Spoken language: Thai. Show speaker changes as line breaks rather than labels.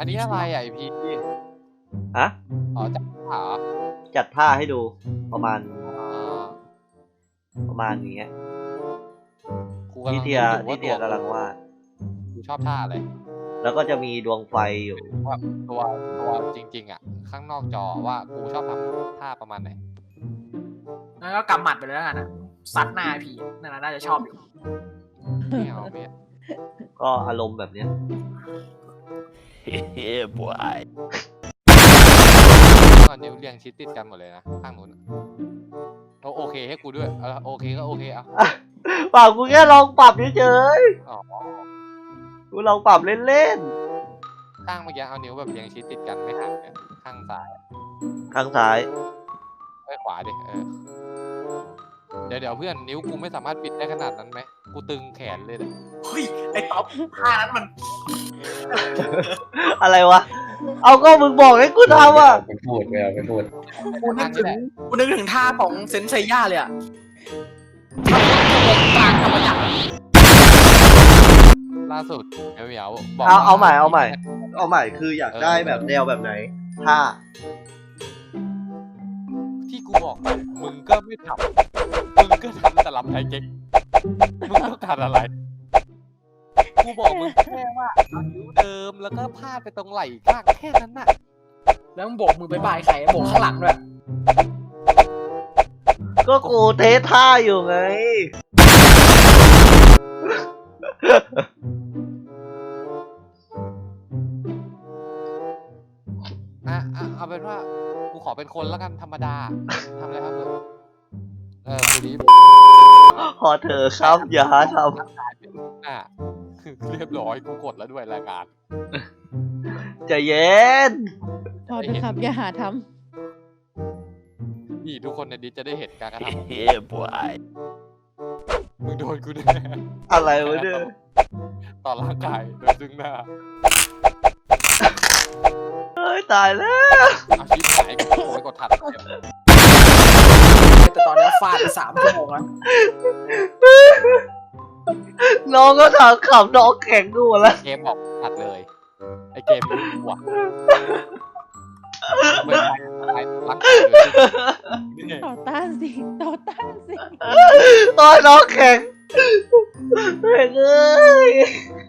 อันนี้อะไรไอพี
อะ
อ๋อจับขา
จัดท่าให้ดูประมาณ
อ๋อ
ประมาณนี้
กูกำลั
ที่
ง
เทีย
นึกอยู่
ที่
ว่า
เทียกำลังวาด
กูชอบท่าอะไร
แล้วก็จะมีดวงไฟอยู่
ว่าตัวจริงๆอ่ะข้างนอกจอว่ากูชอบทำท่าประมาณไหน
งั้นก็กำหมัดไปเลยแล้วกันนะซัดหน้าผีนั่นน่าจะชอบอยู่
ไม่เอาไม่เอา
ก็อารมณ์แบบเนี้ย
Yeah, boy.
ตอนนิ้วเรียงชิดติดกันหมดเลยนะข้างนู้นโอเคให้กูด้วยโอเคก็โอเคเอา
เปล่ากูแค่ลองปรับเฉย
อ๋อ
ๆกูลองปรับเล่น
ข้างเมื่อกี้เอานิ้วแบบเรียงชิดติดกันไม่ห่างกันข้างซ้าย
ๆข้างซ้าย
ขวาดิเดี๋ยวเพื่อนนิ้วกูไม่สามารถปิดได้ขนาดนั้นไหมกูตึงแขนเลยเนี่ย
เฮ้ยไอ้ต๊อปท่านั้นมัน
อะไรวะ เอาก็มึงบอกให้กูทำอ่ะ
ไปพูดไม่เอาไปพูด
กูนึกถึงท่าของเซนเซย่าเลยอะกลางธรรมจักร
ล่าสุดเหมียวบอก
เอาใหม่คืออยากได้แบบแนวแบบไหนท่า
ที่กูบอกไปมึงก็ไม่ทำมึงก็ทำแต่ลำไทยเก๊กมึงต้องการอะไรกูบอกมึงแค่ว่าเอานิ้วเดิมแล้วก็พาดไปตรงไหล่ข้างแค่นั้นน่ะ
แล้วมึงโบกมือไปบายใครโบกข้างหลังด้วย
ก็กูเทสท่าอยู่ไง
เอาเป็นว่ากูขอเป็นคนแล้วกันธรรมดาทำอะไรครับกูนี้
พอเธอครับอย่าหาท
เรียบร้อยกูกดแล้วด้วยรายการ
ำใจเย็น
พอเถอะครับอย่าหาท
นี่ทุกคนในดิสจะได้เห็นการกระท
Yeah, boy.
ำมึงโดนกูแน่
อะไรวะเนี่ย
ต่อร่างกายโดยซึ่งหน้า
เฮ้ยตายแล้ว
เอาชีพหายกูโอยกดทัน
แต่ตอนนี้ฟาดไป3 ชั่วโมงแล้ว
น้องก็ถามขำน้องแข็งกูหมดแล้ว
เกมบอกตัดเลยไอเกมรู้ว่ะไม่ใช่ร่างกายเลยนี่
ำต่อต้านสิต่อต้านสิ
โอ้ยน้องแข็งแข็งเอ้ย